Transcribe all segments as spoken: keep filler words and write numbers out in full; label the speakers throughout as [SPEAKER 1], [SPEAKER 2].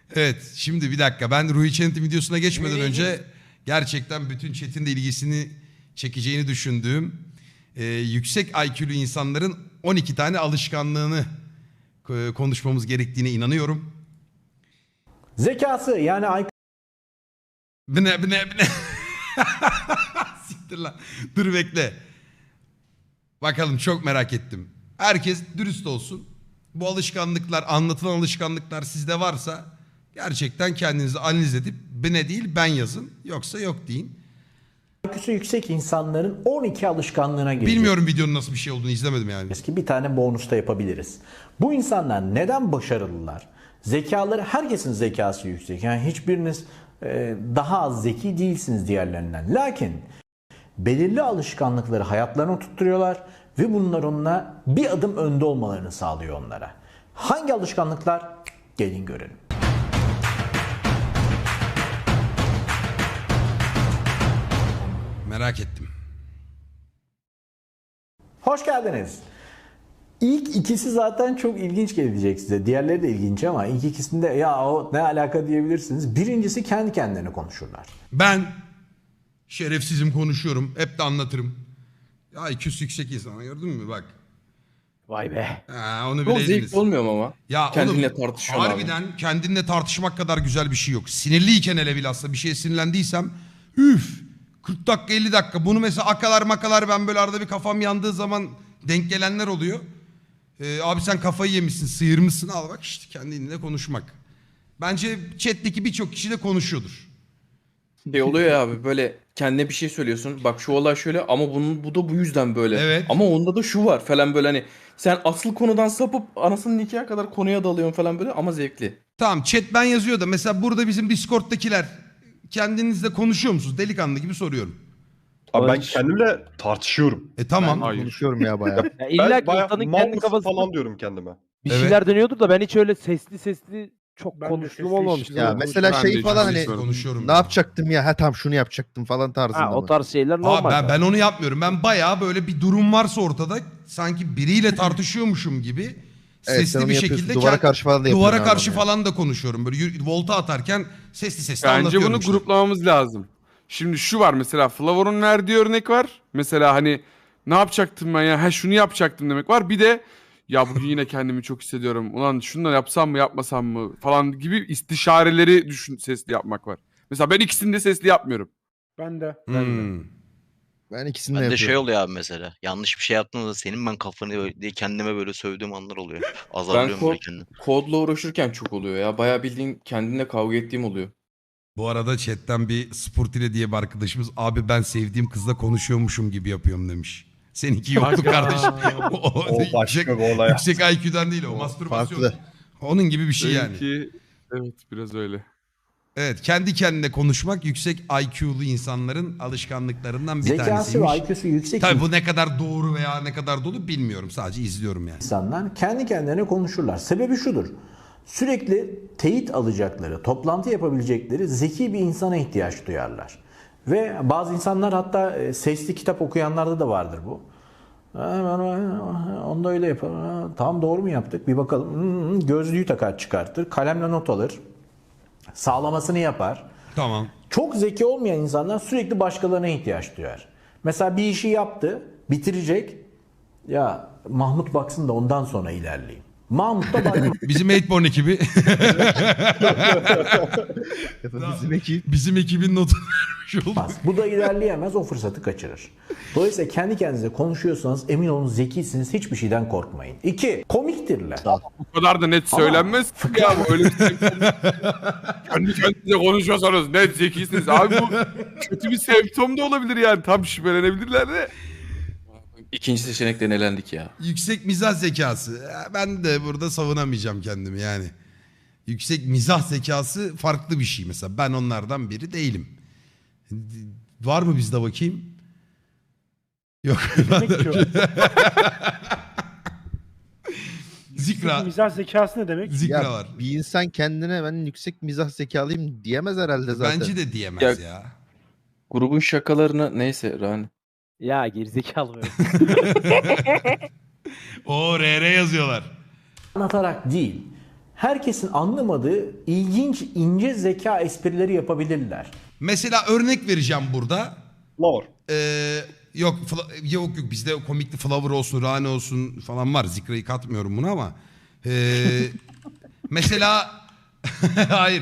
[SPEAKER 1] Evet, şimdi bir dakika. Ben Ruhi Çenet'in videosuna geçmeden önce gerçekten bütün chat'in de ilgisini çekeceğini düşündüğüm e, yüksek I Q'lu insanların on iki tane alışkanlığını e, konuşmamız gerektiğine inanıyorum.
[SPEAKER 2] Zekası yani I Q
[SPEAKER 1] Bine bine bine. Siktir lan. Dur bekle. Bakalım, çok merak ettim. Herkes dürüst olsun. Bu alışkanlıklar, anlatılan alışkanlıklar sizde varsa gerçekten kendinizi analiz edip bine değil ben yazın. Yoksa yok deyin.
[SPEAKER 2] Q'su yüksek insanların on iki alışkanlığına gireceğiz.
[SPEAKER 1] Bilmiyorum videonun nasıl bir şey olduğunu, izlemedim yani.
[SPEAKER 2] Ki bir tane bonusta yapabiliriz. Bu insanlar neden başarılılar? Zekaları, herkesin zekası yüksek. Yani hiçbiriniz e, daha az zeki değilsiniz diğerlerinden. Lakin belirli alışkanlıkları hayatlarına tutturuyorlar ve bunlar onunla bir adım önde olmalarını sağlıyor onlara. Hangi alışkanlıklar? Gelin görelim.
[SPEAKER 1] Merak ettim.
[SPEAKER 2] Hoş geldiniz. İlk ikisi zaten çok ilginç gelecek size. Diğerleri de ilginç ama ilk ikisinde ya o ne alaka diyebilirsiniz. Birincisi kendi kendilerine konuşurlar.
[SPEAKER 1] Ben şerefsizim, konuşuyorum. Hep de anlatırım. Ya I Q'su yüksek insan, gördün mü bak.
[SPEAKER 3] Vay be.
[SPEAKER 1] Ha, onu
[SPEAKER 4] Çok
[SPEAKER 1] bileydiniz.
[SPEAKER 4] zevkli olmuyor mu ama?
[SPEAKER 1] Ya
[SPEAKER 4] Kendinle
[SPEAKER 1] oğlum,
[SPEAKER 4] tartışıyorsun
[SPEAKER 1] harbiden
[SPEAKER 4] abi.
[SPEAKER 1] kendinle tartışmak kadar güzel bir şey yok. Sinirliyken hele bilhassa bir şeye sinirlendiysem üf kırk dakika elli dakika bunu mesela akalar makalar, ben böyle arada bir kafam yandığı zaman denk gelenler oluyor. Ee, abi sen kafayı yemişsin, sıyırmışsın, al bak işte kendinle konuşmak. Bence chat'teki birçok kişi de konuşuyordur.
[SPEAKER 4] Şey oluyor ya abi, böyle kendine bir şey söylüyorsun. Bak şu olay şöyle ama bunun bu da bu yüzden böyle.
[SPEAKER 1] Evet.
[SPEAKER 4] Ama onda da şu var falan, böyle hani sen asıl konudan sapıp anasının nikahı kadar konuya dalıyorsun falan böyle ama zevkli.
[SPEAKER 1] Tamam, chat ben yazıyor da mesela burada bizim Discord'dakiler kendinizle konuşuyor musunuz? Delikanlı gibi soruyorum.
[SPEAKER 5] Abi ben
[SPEAKER 3] Barış.
[SPEAKER 5] kendimle tartışıyorum.
[SPEAKER 1] E tamam.
[SPEAKER 6] Hayır.
[SPEAKER 7] Konuşuyorum ya bayağı.
[SPEAKER 3] Ya
[SPEAKER 5] Ben
[SPEAKER 3] illa ki
[SPEAKER 5] bayağı
[SPEAKER 3] insanın
[SPEAKER 5] mal
[SPEAKER 3] kendi
[SPEAKER 5] mısın
[SPEAKER 3] kafasında
[SPEAKER 5] falan diyorum kendime.
[SPEAKER 3] bir
[SPEAKER 1] Evet.
[SPEAKER 3] şeyler dönüyordur da ben hiç öyle sesli sesli çok
[SPEAKER 6] Ben de
[SPEAKER 3] konuştuğum
[SPEAKER 6] sesli
[SPEAKER 3] olmamıştı.
[SPEAKER 6] hiç-
[SPEAKER 7] Ya
[SPEAKER 6] Ben
[SPEAKER 7] mesela
[SPEAKER 6] de
[SPEAKER 7] şey
[SPEAKER 6] hiç
[SPEAKER 7] falan hani
[SPEAKER 6] konuşmuyorum.
[SPEAKER 1] Konuşuyorum.
[SPEAKER 7] ne yapacaktım ya, ha tam şunu yapacaktım falan tarzında
[SPEAKER 3] Ha, o
[SPEAKER 7] mı?
[SPEAKER 3] tarz şeyler
[SPEAKER 1] Abi
[SPEAKER 3] normal.
[SPEAKER 1] ben, ben onu yapmıyorum. Ben bayağı böyle bir durum varsa ortada sanki biriyle tartışıyormuşum gibi
[SPEAKER 7] Evet, sen
[SPEAKER 1] sesli
[SPEAKER 7] onu
[SPEAKER 1] bir
[SPEAKER 7] yapıyorsun.
[SPEAKER 1] şekilde
[SPEAKER 7] Duvara
[SPEAKER 1] kend-
[SPEAKER 7] karşı falan da
[SPEAKER 1] duvara
[SPEAKER 7] yapıyorsun
[SPEAKER 1] karşı
[SPEAKER 7] abi onu
[SPEAKER 1] falan da konuşuyorum. Böyle yürü- volta atarken sesli sesli
[SPEAKER 6] Bence
[SPEAKER 1] anlatıyorum
[SPEAKER 6] bunu
[SPEAKER 1] işte.
[SPEAKER 6] gruplamamız lazım. Şimdi şu var mesela, Flavor'un verdiği örnek var. Mesela hani ne yapacaktım ben ya? Ha şunu yapacaktım demek var. Bir de ya bugün yine kendimi çok hissediyorum. Ulan şunu da yapsam mı yapmasam mı falan gibi istişareleri düşün, sesli yapmak var. Mesela ben ikisini de sesli yapmıyorum.
[SPEAKER 8] Ben de.
[SPEAKER 1] Hmm.
[SPEAKER 7] Ben ikisini de
[SPEAKER 9] Ben de
[SPEAKER 7] yapıyorum.
[SPEAKER 9] şey oluyor abi mesela. Yanlış bir şey yaptığımda senin ben kafanı böyle- diye kendime böyle sövdüğüm anlar oluyor. Azarlıyorum
[SPEAKER 4] kod-
[SPEAKER 9] böyle kendimi.
[SPEAKER 4] Kodla uğraşırken çok oluyor ya. Bayağı bildiğin kendimle kavga ettiğim oluyor.
[SPEAKER 1] Bu arada chatten bir Sportile diye bir arkadaşımız abi ben sevdiğim kızla konuşuyormuşum gibi yapıyorum demiş. Seninki yoktu kardeşim. o,
[SPEAKER 5] O başka
[SPEAKER 1] yüksek,
[SPEAKER 5] bir olay.
[SPEAKER 1] yüksek I Q'dan değil o, mastürbasyon.
[SPEAKER 7] farklı.
[SPEAKER 1] Onun gibi bir şey yani.
[SPEAKER 6] Benimki, evet biraz öyle.
[SPEAKER 1] Evet, kendi kendine konuşmak yüksek I Q'lu insanların alışkanlıklarından bir
[SPEAKER 2] Zekası
[SPEAKER 1] tanesiymiş.
[SPEAKER 2] ve I Q'su yüksek
[SPEAKER 1] Tabii bu ne kadar doğru veya ne kadar dolu bilmiyorum. Sadece izliyorum yani.
[SPEAKER 2] insanlar kendi kendilerine konuşurlar. Sebebi şudur. Sürekli teyit alacakları, toplantı yapabilecekleri zeki bir insana ihtiyaç duyarlar. Ve bazı insanlar hatta e, sesli kitap okuyanlarda da vardır bu. Onu da öyle yapar. Ha, Tamam doğru mu yaptık? Bir bakalım. Hmm, Gözlüğü takar çıkartır. Kalemle not alır. Sağlamasını yapar.
[SPEAKER 1] Tamam.
[SPEAKER 2] Çok zeki olmayan insanlar sürekli başkalarına ihtiyaç duyar. Mesela bir işi yaptı, bitirecek. Ya Mahmut baksın da ondan sonra ilerleyeyim. Mahmut da bakmaz.
[SPEAKER 1] Bizim Eightborn ekibi.
[SPEAKER 7] Bizim ekip.
[SPEAKER 1] Bizim ekibin notunu vermiş oldu.
[SPEAKER 2] Bu da ilerleyemez, o fırsatı kaçırır. Dolayısıyla kendi kendinize konuşuyorsanız emin olun zekisiniz, hiçbir şeyden korkmayın. İki, komiktirler.
[SPEAKER 6] Bu kadar da net
[SPEAKER 2] Ama
[SPEAKER 6] söylenmez. Ya bu öyle bir şey. Kendi kendinize konuşuyorsanız net zekisiniz. Abi bu kötü bir semptom da olabilir yani. Tam şüphelenebilirler de.
[SPEAKER 4] İkinci seçenekten elendik ya.
[SPEAKER 1] Yüksek mizah zekası. Ben de burada savunamayacağım kendimi yani. Yüksek mizah zekası farklı bir şey mesela. Ben onlardan biri değilim. Var mı bizde bakayım? Yok.
[SPEAKER 8] Demek ki o.
[SPEAKER 1] Zikra.
[SPEAKER 8] Mizah zekası ne demek?
[SPEAKER 1] Zikra
[SPEAKER 7] Ya
[SPEAKER 1] var.
[SPEAKER 7] bir insan kendine ben yüksek mizah zekalıyım diyemez herhalde zaten.
[SPEAKER 1] Bence de diyemez ya.
[SPEAKER 4] Ya- Grubun şakalarını neyse Rani.
[SPEAKER 3] Ya gerizekalı böyle.
[SPEAKER 1] O R R yazıyorlar.
[SPEAKER 2] Anlatarak değil, herkesin anlamadığı ilginç ince zeka esprileri yapabilirler.
[SPEAKER 1] Mesela örnek vereceğim burada.
[SPEAKER 5] Flower.
[SPEAKER 1] Ee, yok fla- yok yok bizde komikli Flower olsun, Rane olsun falan var. Zikra'yı katmıyorum buna ama. Ee, mesela hayır.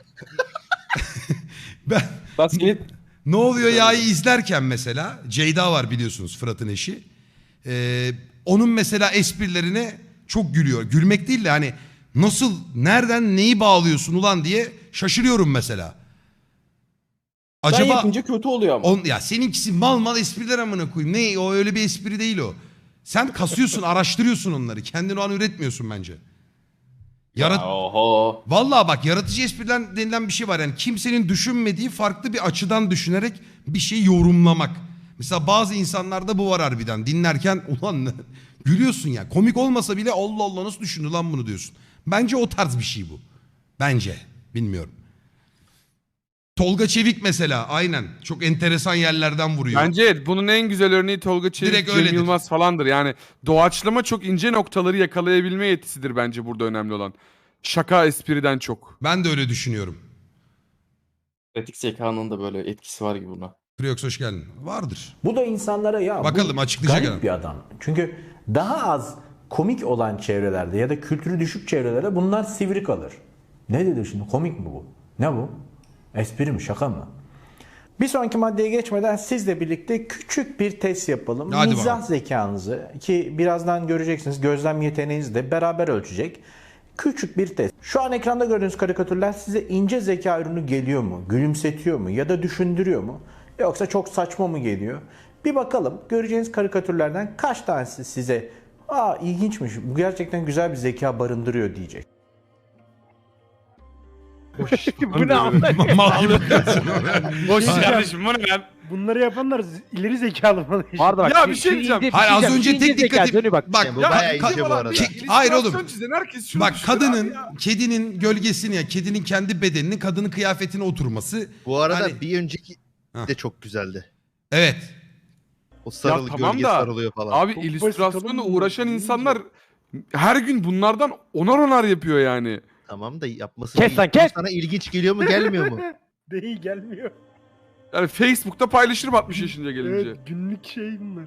[SPEAKER 1] ben
[SPEAKER 4] Bas git.
[SPEAKER 1] Ne oluyor ya'yı izlerken mesela Ceyda var biliyorsunuz Fırat'ın eşi. Ee, onun mesela esprilerine çok gülüyor. Gülmek değil de hani nasıl, nereden neyi bağlıyorsun ulan diye şaşırıyorum mesela.
[SPEAKER 4] Sen
[SPEAKER 1] Acaba
[SPEAKER 4] yapınca kötü oluyor ama.
[SPEAKER 1] on, ya seninkisi mal mal espriler amına koyayım. Ne o, öyle bir espri değil o. Sen kasıyorsun, araştırıyorsun onları. Kendin o an üretmiyorsun bence. Yarat
[SPEAKER 4] Oho.
[SPEAKER 1] Vallahi bak, yaratıcı espriler denilen bir şey var. Yani kimsenin düşünmediği farklı bir açıdan düşünerek bir şeyi yorumlamak. Mesela bazı insanlarda bu var harbiden. Dinlerken ulan ne? Gülüyorsun ya. Komik olmasa bile Allah Allah nasıl düşündü lan bunu diyorsun. Bence o tarz bir şey bu. Bence. Bilmiyorum. Tolga Çevik mesela aynen. Çok enteresan yerlerden vuruyor.
[SPEAKER 6] Bence evet, bunun en güzel örneği Tolga Çevik,
[SPEAKER 1] Direkt
[SPEAKER 6] Cem
[SPEAKER 1] öyledir.
[SPEAKER 6] Yılmaz falandır. Yani doğaçlama çok ince noktaları yakalayabilme yetisidir bence burada önemli olan. Şaka espriden çok.
[SPEAKER 1] Ben de öyle düşünüyorum.
[SPEAKER 4] Pratik zekanın da böyle etkisi var gibi buna.
[SPEAKER 1] Friox hoş geldin. Vardır.
[SPEAKER 2] Bu da insanlara ya
[SPEAKER 1] Bakalım,
[SPEAKER 2] bu
[SPEAKER 1] açıklayacak
[SPEAKER 2] garip
[SPEAKER 1] adam.
[SPEAKER 2] bir adam. Çünkü daha az komik olan çevrelerde ya da kültürü düşük çevrelerde bunlar sivri kalır. Ne dedi şimdi, komik mi bu? Ne bu? Espri mi, şaka mı? Bir sonraki maddeye geçmeden sizle birlikte küçük bir test yapalım.
[SPEAKER 1] Hadi
[SPEAKER 2] Mizah
[SPEAKER 1] bakalım.
[SPEAKER 2] zekanızı, ki birazdan göreceksiniz, gözlem yeteneğinizi de beraber ölçecek. Küçük bir test. Şu an ekranda gördüğünüz karikatürler size ince zeka ürünü geliyor mu? Gülümsetiyor mu? Ya da düşündürüyor mu? Yoksa çok saçma mı geliyor? Bir bakalım, göreceğiniz karikatürlerden kaç tanesi size "Aa, ilginçmiş, bu gerçekten güzel bir zeka barındırıyor" diyecek.
[SPEAKER 3] Bu ne amına?
[SPEAKER 1] Mal gibi bakıyorsun oraya.
[SPEAKER 6] Boş kardeşim bu ne lan?
[SPEAKER 8] Bunları yapanlar z- ileri zekalı mı?
[SPEAKER 3] Pardon bak.
[SPEAKER 6] Ya
[SPEAKER 3] şu-
[SPEAKER 6] bir şey
[SPEAKER 3] şu
[SPEAKER 6] diyeceğim.
[SPEAKER 3] ince-
[SPEAKER 1] Hayır, az
[SPEAKER 3] diyeceğim,
[SPEAKER 1] önce
[SPEAKER 3] şu ince
[SPEAKER 1] tek
[SPEAKER 3] zeka,
[SPEAKER 1] dikkatim-
[SPEAKER 3] Johnny bak.
[SPEAKER 1] Bak,
[SPEAKER 7] Bu
[SPEAKER 6] Ya
[SPEAKER 7] bayağı
[SPEAKER 6] bizim
[SPEAKER 7] ince bu
[SPEAKER 6] olan
[SPEAKER 7] arada.
[SPEAKER 6] bir
[SPEAKER 1] Ke- hayır oğlum.
[SPEAKER 6] illüstrasyon çizen herkes şunu
[SPEAKER 1] Bak
[SPEAKER 6] düşünür abi
[SPEAKER 1] kadının,
[SPEAKER 6] ya.
[SPEAKER 1] kedinin gölgesini ya kedinin kendi bedenini kadının kıyafetine oturması.
[SPEAKER 7] Bu arada
[SPEAKER 1] Hani-
[SPEAKER 7] bir önceki
[SPEAKER 1] Hah.
[SPEAKER 7] de çok güzeldi.
[SPEAKER 1] Evet.
[SPEAKER 7] O sarılı
[SPEAKER 6] tamam
[SPEAKER 7] gölge
[SPEAKER 6] da,
[SPEAKER 7] sarılıyor falan.
[SPEAKER 6] Abi
[SPEAKER 8] Çok
[SPEAKER 6] illüstrasyonla
[SPEAKER 8] basit oğlum.
[SPEAKER 6] uğraşan insanlar her gün bunlardan onar onar yapıyor yani.
[SPEAKER 7] Tamam da yapması
[SPEAKER 3] Kes
[SPEAKER 7] değil.
[SPEAKER 3] lan, kes!
[SPEAKER 7] Sana ilginç geliyor mu gelmiyor mu?
[SPEAKER 8] Değil, gelmiyor.
[SPEAKER 6] Yani Facebook'ta paylaşırım altmış yaşınca gelince.
[SPEAKER 8] Evet, günlük şey bunlar.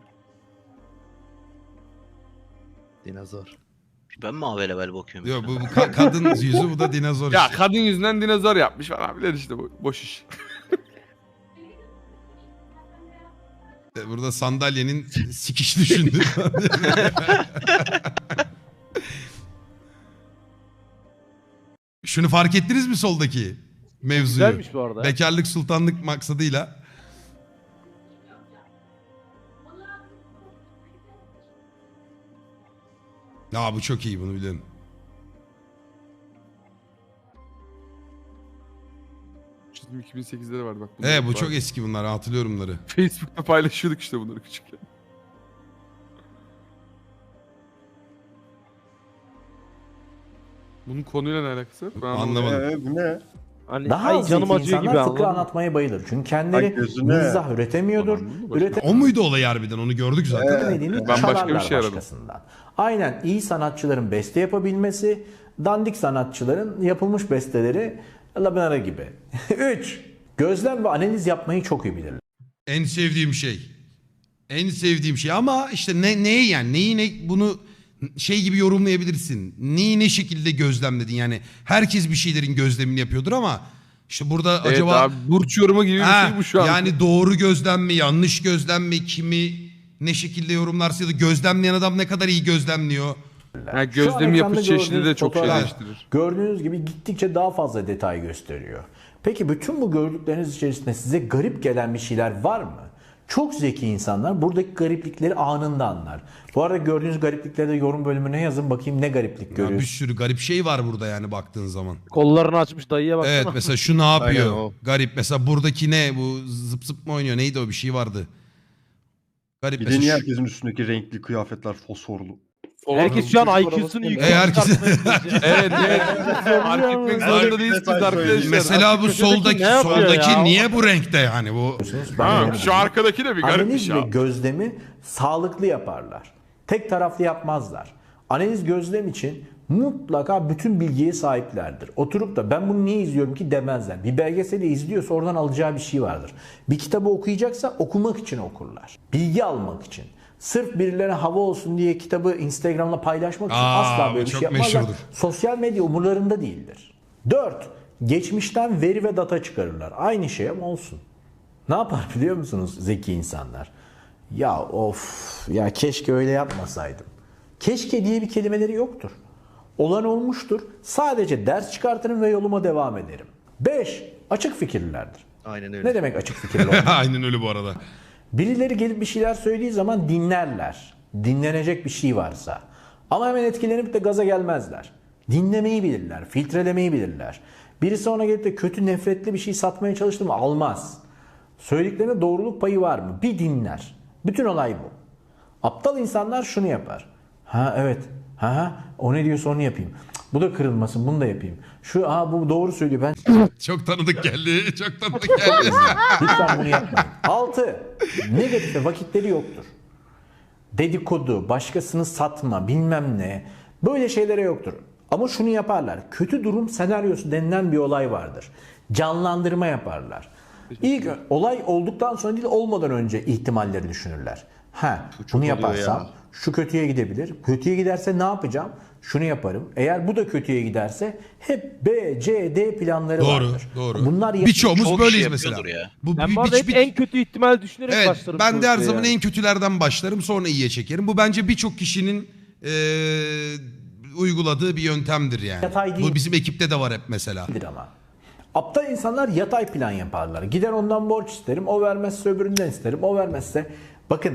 [SPEAKER 7] Dinozor.
[SPEAKER 9] Ben mi haber haber bakıyorum?
[SPEAKER 1] Yok, bu, bu ka- kadın yüzü, bu da dinozor
[SPEAKER 6] Ya
[SPEAKER 1] işte.
[SPEAKER 6] kadın yüzünden dinozor yapmış falan filan işte, bu boş iş.
[SPEAKER 1] Burada sandalyenin sikiş düşündü. Şunu fark ettiniz mi soldaki mevzuyu?
[SPEAKER 3] Güzelmiş bu arada.
[SPEAKER 1] Bekarlık sultanlık maksadıyla. Ya bu çok iyi, bunu biliyorum.
[SPEAKER 6] Çizim iki bin sekizde de vardı bak. bunlar
[SPEAKER 1] Evet, bu
[SPEAKER 6] vardı.
[SPEAKER 1] çok eski bunlar, hatırlıyorum bunları.
[SPEAKER 6] Facebook'ta paylaşıyorduk işte bunları küçükken. Bunun konuyla ne alakası var? Ben
[SPEAKER 1] Anlamadım.
[SPEAKER 5] Ee, bu ne?
[SPEAKER 3] Hani
[SPEAKER 2] Daha
[SPEAKER 3] ay
[SPEAKER 2] az
[SPEAKER 3] canım
[SPEAKER 2] zeki
[SPEAKER 3] acıyor gibi
[SPEAKER 2] insanlar fıkra
[SPEAKER 3] anladın mı?
[SPEAKER 2] anlatmaya bayılır. Çünkü kendileri
[SPEAKER 5] Ay gözüne.
[SPEAKER 2] mizah üretemiyordur.
[SPEAKER 6] Anladın mı? Başka-
[SPEAKER 1] O muydu olay harbiden, onu gördük zaten.
[SPEAKER 2] Üretemediğini
[SPEAKER 6] Ben başka bir
[SPEAKER 2] çalarlar
[SPEAKER 6] şey aradım.
[SPEAKER 2] başkasından. Aynen, iyi sanatçıların beste yapabilmesi, dandik sanatçıların yapılmış besteleri labinara gibi. üç. Gözlem ve analiz yapmayı çok iyi bilirler.
[SPEAKER 1] En sevdiğim şey. En sevdiğim şey ama işte ne neyi yani neyi ne bunu şey gibi yorumlayabilirsin. Neyi ne şekilde gözlemledin yani. Herkes bir şeylerin gözlemini yapıyordur ama işte burada
[SPEAKER 6] Evet
[SPEAKER 1] acaba
[SPEAKER 6] abi, burç yorumu gibi bir
[SPEAKER 1] Ha,
[SPEAKER 6] şey bu şu an.
[SPEAKER 1] yani doğru gözlem mi, yanlış gözlem mi, kimi ne şekilde yorumlarsa ya da gözlemleyen adam ne kadar iyi gözlemliyor.
[SPEAKER 6] Ha,
[SPEAKER 2] Şu an
[SPEAKER 6] gözlem
[SPEAKER 2] ekranda
[SPEAKER 6] yapış çeşidi de
[SPEAKER 2] gördüğünüz
[SPEAKER 6] çok şey
[SPEAKER 2] fotoğraf,
[SPEAKER 6] değiştirir.
[SPEAKER 2] gördüğünüz gibi gittikçe daha fazla detay gösteriyor. Peki bütün bu gördükleriniz içerisinde size garip gelen bir şeyler var mı? Çok zeki insanlar buradaki gariplikleri anında anlar. Bu arada gördüğünüz gariplikleri de yorum bölümüne yazın, bakayım ne gariplik
[SPEAKER 1] Ya bir
[SPEAKER 2] görüyorsunuz.
[SPEAKER 1] sürü garip şey var burada yani baktığın zaman.
[SPEAKER 3] Kollarını açmış dayıya baksana.
[SPEAKER 1] Evet, mesela şu ne yapıyor?
[SPEAKER 7] Aynen o.
[SPEAKER 1] Garip. Mesela buradaki ne? Bu zıp zıp mı oynuyor? Neydi o, bir şey vardı. Garip.
[SPEAKER 5] Bir de
[SPEAKER 1] mesela
[SPEAKER 5] niye
[SPEAKER 1] şu-
[SPEAKER 5] herkesin üstündeki renkli kıyafetler fosforlu?
[SPEAKER 3] Herkes şu an I Q'sunu
[SPEAKER 1] E,
[SPEAKER 3] yüksek
[SPEAKER 1] herkes...
[SPEAKER 6] Evet evet. Fark etmek zorunda değilsiniz arkadaşlar.
[SPEAKER 1] Mesela bu soldaki
[SPEAKER 3] ne yapıyor
[SPEAKER 1] soldaki
[SPEAKER 3] ya?
[SPEAKER 1] niye bu renkte yani bu?
[SPEAKER 2] Ben
[SPEAKER 6] Ha,
[SPEAKER 2] öyle
[SPEAKER 6] şu arkadaki de bir garip bir
[SPEAKER 2] Analiz
[SPEAKER 6] şey
[SPEAKER 2] ve
[SPEAKER 6] abi.
[SPEAKER 2] gözlemi sağlıklı yaparlar. Tek taraflı yapmazlar. Analiz gözlem için mutlaka bütün bilgiye sahiplerdir. Oturup da ben bunu niye izliyorum ki demezler. Bir belgeseli izliyorsa oradan alacağı bir şey vardır. Bir kitabı okuyacaksa okumak için okurlar. Bilgi almak için. Sırf birilerine hava olsun diye kitabı Instagram'la paylaşmak için
[SPEAKER 1] Aa,
[SPEAKER 2] asla böyle
[SPEAKER 1] bu
[SPEAKER 2] bir
[SPEAKER 1] çok
[SPEAKER 2] şey yapmazlar.
[SPEAKER 1] meşhurdur.
[SPEAKER 2] Sosyal medya umurlarında değildir. dört. Geçmişten veri ve data çıkarırlar. Aynı şey ama olsun. Ne yapar biliyor musunuz zeki insanlar? Ya of ya keşke öyle yapmasaydım. Keşke diye bir kelimeleri yoktur. Olan olmuştur. Sadece ders çıkartırım ve yoluma devam ederim. beş. Açık fikirlilerdir.
[SPEAKER 7] Aynen öyle.
[SPEAKER 2] Ne demek açık fikirli olmak?
[SPEAKER 1] Aynen öyle bu arada.
[SPEAKER 2] Birileri gelip bir şeyler söylediği zaman dinlerler. Dinlenecek bir şey varsa. Ama hemen etkilenip de gaza gelmezler. Dinlemeyi bilirler, filtrelemeyi bilirler. Birisi ona gelip de kötü, nefretli bir şey satmaya çalıştı mı almaz. Söylediklerine doğruluk payı var mı? Bir dinler. Bütün olay bu. Aptal insanlar şunu yapar. Ha evet. Ha ha. O ne diyorsa onu yapayım. Cık, bu da kırılmasın, bunu da yapayım. Şu ha bu doğru söylüyor. Ben
[SPEAKER 1] Çok tanıdık geldi. Çok tanıdık geldi.
[SPEAKER 2] lütfen bunu yapmayın. altı. Negatife vakitleri yoktur. Dedikodu, başkasını satma, bilmem ne. Böyle şeylere yoktur. Ama şunu yaparlar. Kötü durum senaryosu denilen bir olay vardır. Canlandırma yaparlar. İlk olay olduktan sonra değil olmadan önce ihtimalleri düşünürler. Ha, bunu
[SPEAKER 7] oluyor
[SPEAKER 2] yaparsam
[SPEAKER 7] ya.
[SPEAKER 2] şu kötüye gidebilir. Kötüye giderse ne yapacağım? Şunu yaparım. Eğer bu da kötüye giderse hep B, C, D planları
[SPEAKER 1] Doğru,
[SPEAKER 2] vardır.
[SPEAKER 1] doğru.
[SPEAKER 2] Bunlar
[SPEAKER 1] Birçoğumuz
[SPEAKER 9] Çok
[SPEAKER 1] böyleyiz
[SPEAKER 9] kişi
[SPEAKER 1] mesela.
[SPEAKER 9] yapıyordur ya.
[SPEAKER 1] Bu,
[SPEAKER 3] Ben
[SPEAKER 1] bir-
[SPEAKER 3] bu arada
[SPEAKER 1] bir-
[SPEAKER 3] hep
[SPEAKER 1] bir-
[SPEAKER 3] en kötü ihtimal düşünerek
[SPEAKER 1] Evet,
[SPEAKER 3] başlarım.
[SPEAKER 1] ben de her
[SPEAKER 3] sonuçta
[SPEAKER 1] zaman
[SPEAKER 3] yani.
[SPEAKER 1] en kötülerden başlarım, sonra iyiye çekerim. Bu bence birçok kişinin eee, uyguladığı bir yöntemdir yani.
[SPEAKER 2] Yatay değil.
[SPEAKER 1] Bu bizim ekipte de var hep mesela.
[SPEAKER 2] Bilir ama. Aptal insanlar yatay plan yaparlar. Gider ondan borç isterim, o vermezse öbüründen isterim, o vermezse. Bakın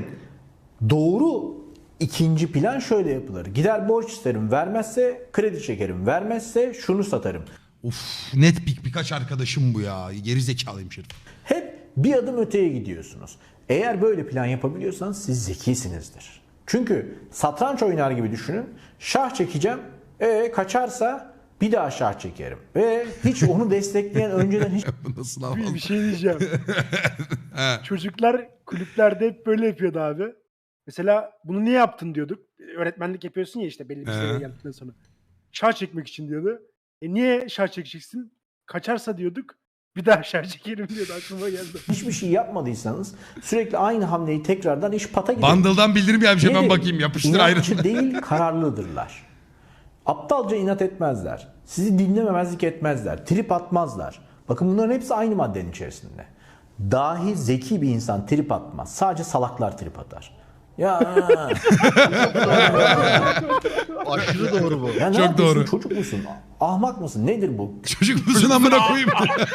[SPEAKER 2] doğru ikinci plan şöyle yapılır. Gider borç isterim, vermezse kredi çekerim, vermezse şunu satarım.
[SPEAKER 1] Uf, net bir, birkaç arkadaşım bu ya. Geri zekalıyım şerif.
[SPEAKER 2] Hep bir adım öteye gidiyorsunuz. Eğer böyle plan yapabiliyorsanız siz zekisinizdir. Çünkü satranç oynar gibi düşünün. Şah çekeceğim, e kaçarsa bir daha şah çekerim. Ve hiç onu destekleyen önceden hiç
[SPEAKER 1] Bu nasıl
[SPEAKER 8] Bir,
[SPEAKER 1] havalı?
[SPEAKER 8] bir şey diyeceğim.
[SPEAKER 1] He.
[SPEAKER 8] Çocuklar kulüplerde hep böyle yapıyordu abi. Mesela bunu niye yaptın diyorduk. Öğretmenlik yapıyorsun ya işte belli bir seviyeye
[SPEAKER 1] He.
[SPEAKER 8] geldikten sonra. Şah çekmek için diyordu. E niye şah çekeceksin? Kaçarsa diyorduk. Bir daha şah çekerim diyordu, aklıma geldi.
[SPEAKER 2] hiçbir şey yapmadıysanız sürekli aynı hamleyi tekrardan iş pata gider.
[SPEAKER 1] Bundle'dan bildirim gelmiş, hemen
[SPEAKER 2] Nedir?
[SPEAKER 1] bakayım, yapıştır ayrı.
[SPEAKER 2] İnatçı değil, kararlıdırlar. Aptalca inat etmezler. Sizi dinlememezlik etmezler. Trip atmazlar. Bakın bunların hepsi aynı maddenin içerisinde. Dahi zeki bir insan trip atmaz. Sadece salaklar trip atar. Ya,
[SPEAKER 7] Aşırı doğru bu.
[SPEAKER 2] ya ne
[SPEAKER 1] Çok
[SPEAKER 2] yapıyorsun?
[SPEAKER 1] doğru.
[SPEAKER 2] Çocuk musun? Ahmak mısın? Nedir bu?
[SPEAKER 1] Çocuk musun amına koyayım?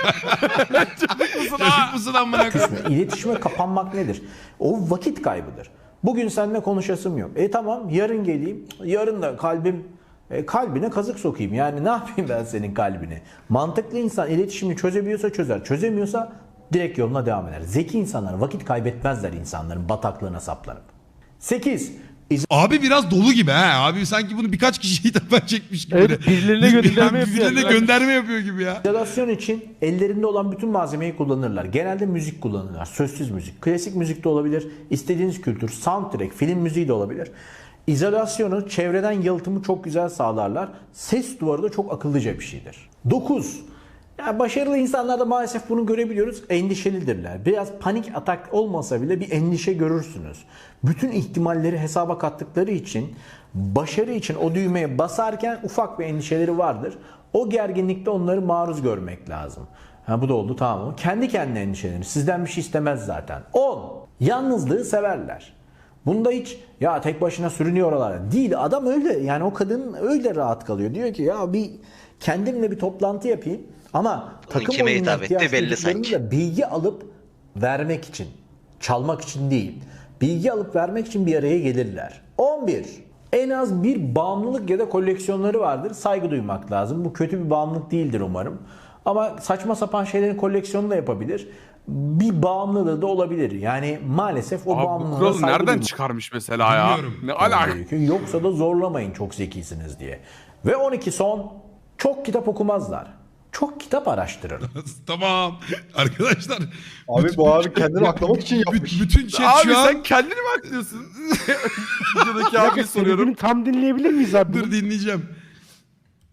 [SPEAKER 1] Çocuk musun amına koyayım?
[SPEAKER 2] İletişime kapanmak nedir? O vakit kaybıdır. Bugün seninle konuşasım yok. E tamam yarın geleyim. Yarın da kalbim e, kalbine kazık sokayım. Yani ne yapayım ben senin kalbine? Mantıklı insan iletişimi çözebiliyorsa çözer. Çözemiyorsa direkt yoluna devam eder. Zeki insanlar vakit kaybetmezler insanların bataklığına saplanıp. sekiz.
[SPEAKER 1] Abi biraz dolu gibi ha. Abi sanki bunu birkaç kişiye hitap çekmiş gibi.
[SPEAKER 3] Evet, birilerine
[SPEAKER 1] Bir- bir-
[SPEAKER 3] gönderme yapıyor.
[SPEAKER 1] Birilerine gönderme yapıyor gibi ya.
[SPEAKER 2] İzolasyon için ellerinde olan bütün malzemeyi kullanırlar. Genelde müzik kullanırlar. Sözsüz müzik. Klasik müzik de olabilir. İstediğiniz kültür. Soundtrack, film müziği de olabilir. İzolasyonu, çevreden yalıtımı çok güzel sağlarlar. Ses duvarı da çok akıllıca bir şeydir. dokuz. Yani başarılı insanlarda maalesef bunu görebiliyoruz. Endişelidirler. Biraz panik atak olmasa bile bir endişe görürsünüz. Bütün ihtimalleri hesaba kattıkları için başarı için o düğmeye basarken ufak bir endişeleri vardır. O gerginlikte onları maruz görmek lazım. Ha, bu da oldu tamam mı? Kendi kendine endişelenir. Sizden bir şey istemez zaten. on. Yalnızlığı severler. Bunda hiç ya tek başına sürünüyor oralara. Değil, adam öyle yani o kadın öyle rahat kalıyor. Diyor ki ya bir kendimle bir toplantı yapayım. Ama takım
[SPEAKER 9] kime
[SPEAKER 2] oyununa
[SPEAKER 9] hitap etti
[SPEAKER 2] ihtiyaç
[SPEAKER 9] belli
[SPEAKER 2] duyduklarını
[SPEAKER 9] sanki.
[SPEAKER 2] da bilgi alıp vermek için, çalmak için değil. Bilgi alıp vermek için bir araya gelirler. on bir. En az bir bağımlılık ya da koleksiyonları vardır. Saygı duymak lazım. Bu kötü bir bağımlılık değildir umarım. Ama saçma sapan şeylerin koleksiyonunu da yapabilir. Bir bağımlılığı da olabilir. Yani maalesef o
[SPEAKER 6] Abi bu
[SPEAKER 2] bağımlılığa
[SPEAKER 6] kuralı
[SPEAKER 2] saygı
[SPEAKER 6] nereden
[SPEAKER 2] duymak
[SPEAKER 6] çıkarmış mesela ya?
[SPEAKER 1] Bilmiyorum.
[SPEAKER 6] Ne alaka?
[SPEAKER 2] gerekiyor. Yoksa da zorlamayın çok zekisiniz diye. Ve on iki son. Çok kitap okumazlar. Çok kitap araştırır.
[SPEAKER 1] Tamam. Arkadaşlar.
[SPEAKER 5] Abi
[SPEAKER 1] bütün-
[SPEAKER 5] bu abi kendini aklamak için
[SPEAKER 1] bütün-
[SPEAKER 5] yapmış.
[SPEAKER 1] Bütün chat
[SPEAKER 6] Abi
[SPEAKER 1] şu an...
[SPEAKER 6] sen kendini mi aklıyorsun? Videodaki abiye soruyorum.
[SPEAKER 8] Söylediğini tam dinleyebilir miyiz abi?
[SPEAKER 1] Dur dinleyeceğim.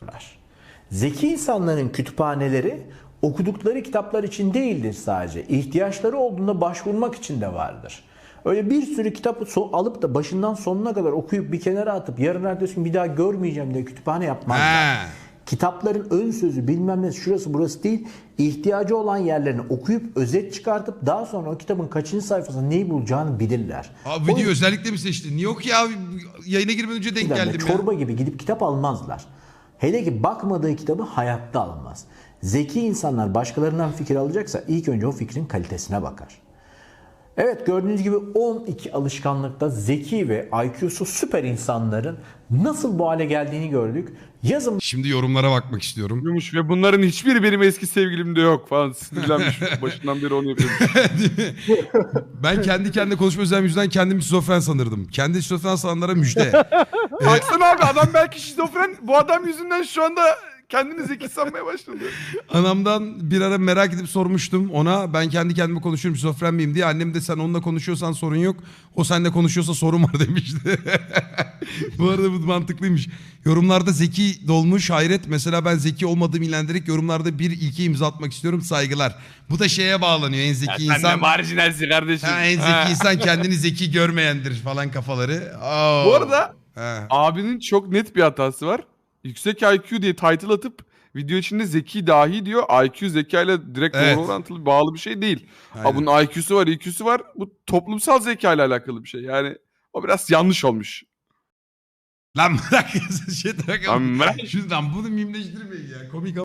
[SPEAKER 2] okuyorlar. Zeki insanların kütüphaneleri okudukları kitaplar için değildir sadece. İhtiyaçları olduğunda başvurmak için de vardır. Öyle bir sürü kitabı so- alıp da başından sonuna kadar okuyup bir kenara atıp yarın ertesi gün bir daha görmeyeceğim diye kütüphane yapmazlar.
[SPEAKER 1] He.
[SPEAKER 2] Kitapların ön sözü bilmem ne şurası burası değil, ihtiyacı olan yerlerini okuyup özet çıkartıp daha sonra o kitabın kaçıncı sayfasında neyi bulacağını bilirler.
[SPEAKER 1] Abi
[SPEAKER 2] O
[SPEAKER 1] video özellikle mi seçtin? Niye yok ya? Yayına girmeden önce denk
[SPEAKER 2] yüzden de
[SPEAKER 1] geldim ya.
[SPEAKER 2] çorba gibi gidip kitap almazlar. Hele ki bakmadığı kitabı hayatta almaz. Zeki insanlar başkalarından fikir alacaksa ilk önce o fikrin kalitesine bakar. Evet, gördüğünüz gibi on iki alışkanlıkta zeki ve I Q'su süper insanların nasıl bu hale geldiğini gördük. Yazın
[SPEAKER 1] Şimdi yorumlara bakmak istiyorum.
[SPEAKER 6] Yumuş ve bunların hiçbiri benim eski sevgilimde yok falan. Sinirlenmiş. Başından beri onu yapıyorum.
[SPEAKER 1] Ben kendi kendine konuşma özelliğim yüzünden kendimi şizofren sanırdım. Kendi şizofren sananlara müjde.
[SPEAKER 6] Baksana abi adam belki şizofren. Bu adam yüzünden şu anda kendini zeki sanmaya başladı.
[SPEAKER 1] Anamdan bir ara merak edip sormuştum ona. Ben kendi kendime konuşuyorum şizofren miyim diye. Annem de sen onunla konuşuyorsan sorun yok. O seninle konuşuyorsa sorun var demişti. Bu arada bu mantıklıymış. Yorumlarda zeki dolmuş hayret. Mesela ben zeki olmadığımı ilendirerek yorumlarda bir ilke imza atmak istiyorum. Saygılar. Bu da şeye bağlanıyor. En zeki
[SPEAKER 6] Sen de
[SPEAKER 1] insan...
[SPEAKER 6] marjinalsin kardeşim.
[SPEAKER 1] Ha, en zeki
[SPEAKER 6] Ha.
[SPEAKER 1] insan kendini zeki görmeyendir falan kafaları. Oo.
[SPEAKER 6] Bu arada
[SPEAKER 1] Ha.
[SPEAKER 6] abinin çok net bir hatası var. Yüksek I Q diye title atıp video içinde zeki dahi diyor. I Q zekayla direkt
[SPEAKER 1] Evet.
[SPEAKER 6] doğru orantılı bağlı bir şey değil.
[SPEAKER 1] Aynen.
[SPEAKER 6] Ha, bunun I Q'su var, I Q'su var. Bu toplumsal zekayla alakalı bir şey. Yani o biraz yanlış olmuş.
[SPEAKER 1] Lan bırak şey bırak.
[SPEAKER 6] Lan bırak.
[SPEAKER 1] Şuradan bunu mimleştirmeyin ya. Komik